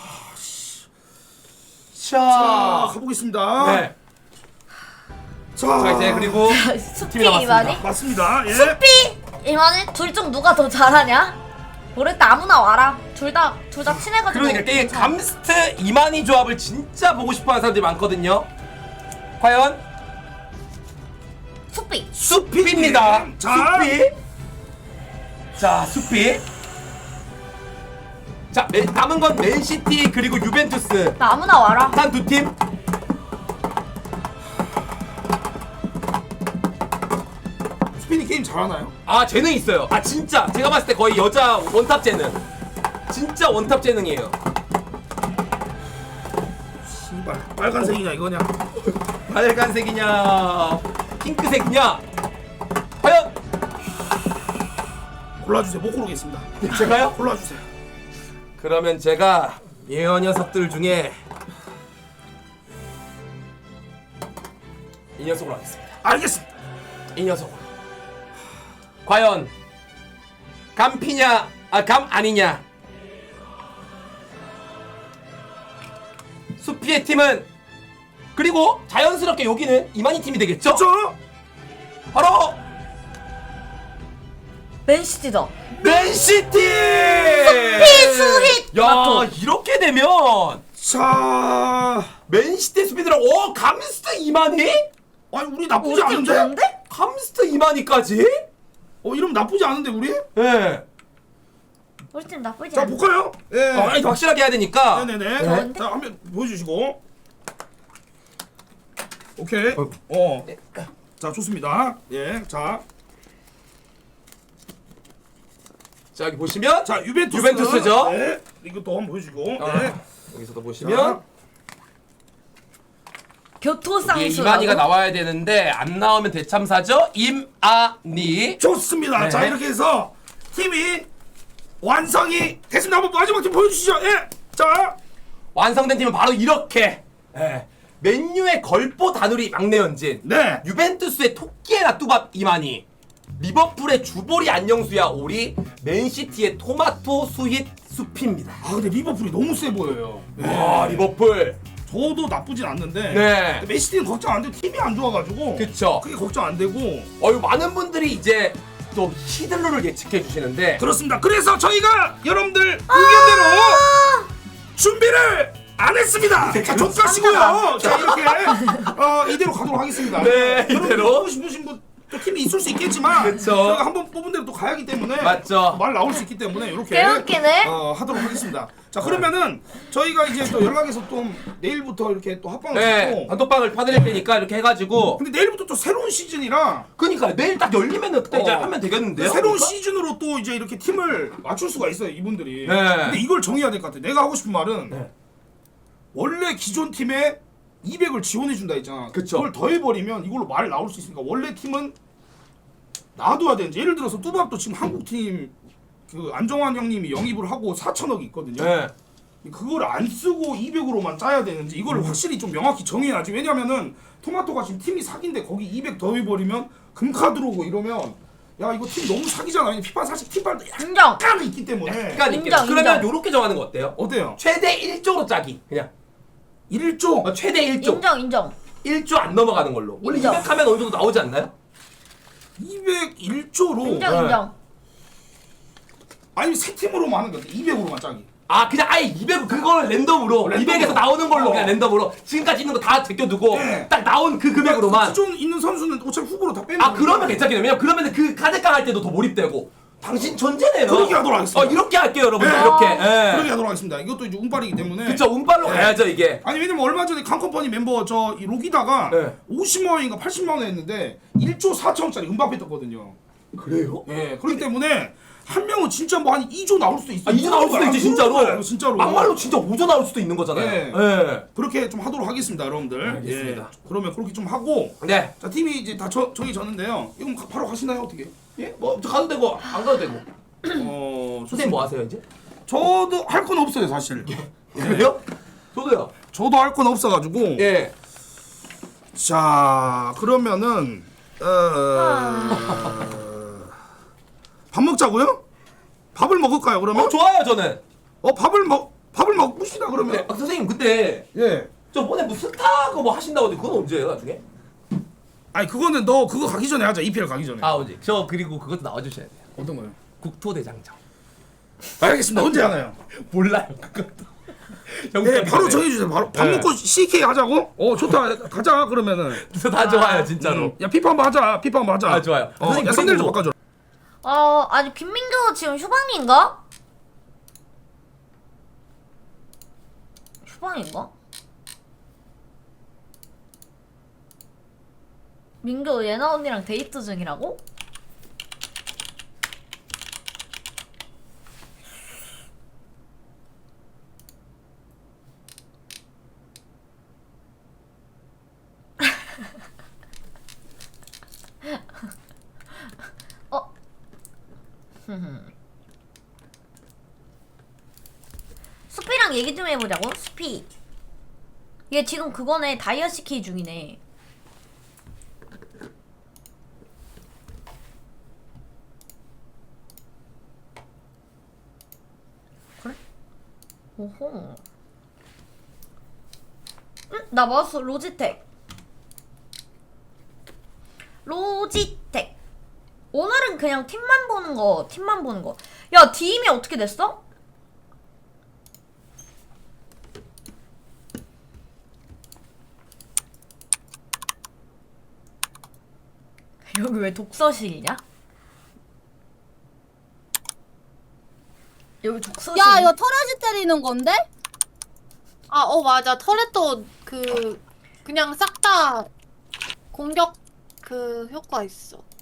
[SPEAKER 2] 자,
[SPEAKER 1] 자,
[SPEAKER 2] 가보겠습니다.
[SPEAKER 1] 네.
[SPEAKER 2] 자,
[SPEAKER 1] 자 이제 그리고
[SPEAKER 3] 수피
[SPEAKER 1] 팀이
[SPEAKER 3] 이만희?
[SPEAKER 2] 맞습니다. 예.
[SPEAKER 3] 수피 이만희? 둘 중 누가 더 잘하냐? 모르겠다 아무나 와라. 둘 다 둘 다 친해가지고.
[SPEAKER 1] 그러니까 게임
[SPEAKER 3] 괜찮아.
[SPEAKER 1] 감스트 이만희 조합을 진짜 보고 싶어하는 사람들이 많거든요. 과연
[SPEAKER 3] 수피.
[SPEAKER 1] 수피입니다.
[SPEAKER 2] 자.
[SPEAKER 1] 수피. 자 수피. 자 맨- 남은 건 맨시티 그리고 유벤투스
[SPEAKER 3] 나 아무나 와라.
[SPEAKER 1] 한 두 팀.
[SPEAKER 2] 스피니 게임 잘하나요?
[SPEAKER 1] 아 재능 있어요. 아 진짜 제가 봤을 때 거의 여자 원탑 재능. 진짜 원탑 재능이에요.
[SPEAKER 2] 씨발 빨간색이냐 이거냐?
[SPEAKER 1] 빨간색이냐 핑크색이냐 과연
[SPEAKER 2] 골라주세요. 못 고르겠습니다.
[SPEAKER 1] 제가요?
[SPEAKER 2] 골라주세요.
[SPEAKER 1] 그러면 제가 이 녀석들 중에 이 녀석으로 하겠습니다.
[SPEAKER 2] 알겠습니다.
[SPEAKER 1] 이 녀석으로. 과연 감피냐 아 감 아니냐. 수피의 팀은 그리고 자연스럽게 여기는 이만희 팀이 되겠죠?
[SPEAKER 2] 저
[SPEAKER 1] 바로
[SPEAKER 3] 맨시티다.
[SPEAKER 1] 맨시티!
[SPEAKER 3] 수hit!
[SPEAKER 1] 야
[SPEAKER 3] 마토.
[SPEAKER 1] 이렇게 되면
[SPEAKER 2] 자,
[SPEAKER 1] 맨시티 수비들은 오 감스트 이만희?
[SPEAKER 2] 아니 우리 나쁘지
[SPEAKER 3] 우리 팀
[SPEAKER 2] 않은데?
[SPEAKER 3] 좋은데?
[SPEAKER 1] 감스트 이만희까지?
[SPEAKER 2] 어 이러면 나쁘지 않은데 우리?
[SPEAKER 1] 네.
[SPEAKER 3] 우리 팀 나쁘지
[SPEAKER 2] 자
[SPEAKER 3] 않아.
[SPEAKER 2] 볼까요? 예.
[SPEAKER 1] 어, 아니 확실하게 해야 되니까.
[SPEAKER 2] 네네네.
[SPEAKER 3] 네.
[SPEAKER 2] 자 한번 보여주시고. 오케이.
[SPEAKER 1] 어.
[SPEAKER 2] 어. 자 좋습니다. 예. 자,
[SPEAKER 1] 자 여기 보시면
[SPEAKER 2] 자 유벤투스.
[SPEAKER 1] 유벤투스죠.
[SPEAKER 2] 네. 이것도 한번 보여주고.
[SPEAKER 1] 아,
[SPEAKER 2] 네.
[SPEAKER 1] 여기서도
[SPEAKER 2] 자,
[SPEAKER 1] 보시면
[SPEAKER 3] 교토상수.
[SPEAKER 1] 이게 이만희가 나와야 되는데 안 나오면 대참사죠. 임아니.
[SPEAKER 2] 좋습니다.
[SPEAKER 1] 네.
[SPEAKER 2] 자 이렇게 해서 팀이 완성이 됐습니다. 한번 마지막 팀 보여주시죠. 예. 자.
[SPEAKER 1] 완성된 팀은 바로 이렇게. 예. 맨유의 걸포 다누리 막내 연진.
[SPEAKER 2] 네.
[SPEAKER 1] 유벤투스의 토끼에나 뚜밥 이만희. 리버풀의 주보리 안녕수야 오리. 맨시티의 토마토 수힛 수피입니다.
[SPEAKER 2] 아 근데 리버풀이 너무 세 보여요. 네.
[SPEAKER 1] 와 리버풀.
[SPEAKER 2] 저도 나쁘진 않는데.
[SPEAKER 1] 네.
[SPEAKER 2] 근데 맨시티는 걱정 안 되고 팀이 안 좋아가지고.
[SPEAKER 1] 그쵸.
[SPEAKER 2] 그게 걱정 안 되고.
[SPEAKER 1] 어유 많은 분들이 이제 또 히들로를 예측해 주시는데
[SPEAKER 2] 그렇습니다. 그래서 저희가 여러분들 의견대로 준비를 안 했습니다. 자, 좀 까시고요. 자, 이렇게 어, 이대로 가도록 하겠습니다.
[SPEAKER 1] 네,
[SPEAKER 2] 여러분
[SPEAKER 1] 이대로.
[SPEAKER 2] 뽑고 싶으신 분 또 팀이 있을 수 있겠지만
[SPEAKER 1] 그쵸.
[SPEAKER 2] 저희가 한번 뽑은 대로 또 가야 하기 때문에
[SPEAKER 1] 맞죠.
[SPEAKER 2] 말 나올 수 있기 때문에 이렇게
[SPEAKER 3] 개웃기네.
[SPEAKER 2] 어, 하도록 하겠습니다. 자, 그러면은 저희가 이제 또 연락해서 좀 내일부터 이렇게 또 합방을
[SPEAKER 1] 네
[SPEAKER 2] 하고
[SPEAKER 1] 단톡방을 파드릴 테니까 이렇게 해가지고
[SPEAKER 2] 근데 내일부터 또 새로운 시즌이라
[SPEAKER 1] 그니까 내일 딱 열리면은 그때 이제
[SPEAKER 2] 어.
[SPEAKER 1] 하면 되겠는데요?
[SPEAKER 2] 새로운
[SPEAKER 1] 그러니까?
[SPEAKER 2] 시즌으로 또 이제 이렇게 팀을 맞출 수가 있어요 이분들이.
[SPEAKER 1] 네.
[SPEAKER 2] 근데 이걸 정해야 될 것 같아. 내가 하고 싶은 말은
[SPEAKER 1] 네.
[SPEAKER 2] 원래 기존 팀에 이백을 지원해 준다 했잖아.
[SPEAKER 1] 그쵸.
[SPEAKER 2] 그걸 더해버리면 이걸로 말 나올 수 있으니까 원래 팀은 놔둬야 되는지. 예를 들어서 뚜밥도 지금 한국 팀 그 안정환 형님이 영입을 하고 사천억이 있거든요.
[SPEAKER 1] 네.
[SPEAKER 2] 그걸 안 쓰고 이백으로만 짜야 되는지 이걸 확실히 좀 명확히 정해야지. 왜냐면은 토마토가 지금 팀이 사기인데 거기 이백 더해버리면 금카 들어오고 이러면 야 이거 팀 너무 사기잖아. 왜냐면 피파 사실 팀발도
[SPEAKER 3] 인정.
[SPEAKER 2] 약간 있기 때문에.
[SPEAKER 1] 그러니까 이렇게.
[SPEAKER 3] 인정,
[SPEAKER 1] 그러면
[SPEAKER 3] 인정.
[SPEAKER 1] 요렇게 정하는 거 어때요?
[SPEAKER 2] 어때요?
[SPEAKER 1] 최대 일 조로 짜기 그냥
[SPEAKER 2] 일 조.
[SPEAKER 1] 어, 최대 일 조
[SPEAKER 3] 인정 인정.
[SPEAKER 1] 일 조 안 넘어가는 걸로 원래
[SPEAKER 3] 인정.
[SPEAKER 1] 이백 하면 어느 정도 나오지 않나요?
[SPEAKER 2] 이백일 조로.
[SPEAKER 3] 인정
[SPEAKER 1] 네.
[SPEAKER 3] 인정.
[SPEAKER 2] 아니면 세 팀으로만 하는 게 어때? 이백으로만 짜기.
[SPEAKER 1] 아 그냥 아예 이백 그걸 랜덤으로
[SPEAKER 2] 랜덤으로.
[SPEAKER 1] 이백에서 나오는 걸로
[SPEAKER 2] 어.
[SPEAKER 1] 그냥 랜덤으로 지금까지 있는 거 다 제껴두고
[SPEAKER 2] 네.
[SPEAKER 1] 딱 나온 그 금액으로만
[SPEAKER 2] 기존 있는 선수는 어차피 후보로 다 빼면
[SPEAKER 1] 아 그러면 괜찮겠네요. 왜냐면 그러면 그 카드깡 할 때도 더 몰입되고 당신 천재네요.
[SPEAKER 2] 그렇게 하도록 하겠습니다.
[SPEAKER 1] 어 이렇게 할게요 여러분들
[SPEAKER 2] 네.
[SPEAKER 1] 이렇게.
[SPEAKER 2] 그렇게
[SPEAKER 1] 예.
[SPEAKER 2] 하도록 하겠습니다. 이것도 이제 운빨이기 때문에.
[SPEAKER 1] 그쵸 운빨로
[SPEAKER 2] 네.
[SPEAKER 1] 가야죠 이게.
[SPEAKER 2] 아니 왜냐면 얼마 전에 칸컴퍼니 멤버 저 이 로기다가
[SPEAKER 1] 네.
[SPEAKER 2] 오십만 원인가 팔십만 원 했는데 일 조 사천억짜리 음바페 떴거든요.
[SPEAKER 1] 그래요?
[SPEAKER 2] 예, 그렇기 때문에 한 명은 진짜 뭐 한 이 조 나올 수도 있어.
[SPEAKER 1] 아 이조 나올 수도 있지 진짜로.
[SPEAKER 2] 진짜로.
[SPEAKER 1] 막말로 진짜 오조 나올 수도 있는 거잖아요.
[SPEAKER 2] 네.
[SPEAKER 1] 예.
[SPEAKER 2] 그렇게 좀 하도록 하겠습니다, 여러분들.
[SPEAKER 1] 알겠습니다.
[SPEAKER 2] 예, 그러면 그렇게 좀 하고.
[SPEAKER 1] 네.
[SPEAKER 2] 자 팀이 이제 다 저, 정해졌는데요. 이거 가- 바로 가시나요 어떻게?
[SPEAKER 1] 예? 뭐 가도 되고 안 가도 되고.
[SPEAKER 2] 어,
[SPEAKER 1] 선생님 뭐 하세요 이제?
[SPEAKER 2] 저도 할 건 없어요 사실.
[SPEAKER 1] 그래요? 저도요.
[SPEAKER 2] 저도 할 건 없어가지고.
[SPEAKER 1] 예.
[SPEAKER 2] 자 그러면은 어... 밥 먹자고요? 밥을 먹을까요 그러면?
[SPEAKER 1] 어 좋아요 저는.
[SPEAKER 2] 어 밥을 먹 밥을 먹읍시다 그러면.
[SPEAKER 1] 네. 아, 선생님 근데
[SPEAKER 2] 예.
[SPEAKER 1] 저번에 뭐 스타 그거 뭐 하신다고 했는데 그건 언제예요 나중에?
[SPEAKER 2] 아니 그거는 너 그거 가기 전에 하자. 이피엘 가기 전에.
[SPEAKER 1] 아 언제? 저 그리고 그것도 나와주셔야 돼요.
[SPEAKER 2] 어떤 거요?
[SPEAKER 1] 국토대장정.
[SPEAKER 2] 알겠습니다. 언제 하나요?
[SPEAKER 1] 몰라요 그것도.
[SPEAKER 2] 네 바로 정해주세요. 바로 밥
[SPEAKER 1] 네.
[SPEAKER 2] 먹고 씨케이 하자고? 어 좋다. 가자 그러면은.
[SPEAKER 1] 다 좋아요 진짜로.
[SPEAKER 2] 음, 야 피파 한번 하자. 피파 한번 하자.
[SPEAKER 1] 아, 좋아요.
[SPEAKER 2] 어,
[SPEAKER 1] 선생님,
[SPEAKER 2] 야 썸네일 좀
[SPEAKER 1] 그리고-
[SPEAKER 2] 바꿔줘.
[SPEAKER 3] 어 아니 김민규 지금 휴방인가? 휴방인가? 민규 예나 언니랑 데이트 중이라고? 어? 수피랑 얘기 좀 해보자고. 수피 얘 지금 그거네. 다이어시 키 중이네. 그래? 오호. 응? 나 마우스 로지텍. 로지텍. 오늘은 그냥 팀만 보는 거, 팀만 보는 거. 야, 디임이 어떻게 됐어? 여기 왜 독서실이냐? 여기 독서실.
[SPEAKER 4] 야 이거 터렛이 때리는 건데?
[SPEAKER 5] 아, 어 맞아. 터렛도 그 그냥 싹 다 공격 그 효과 있어.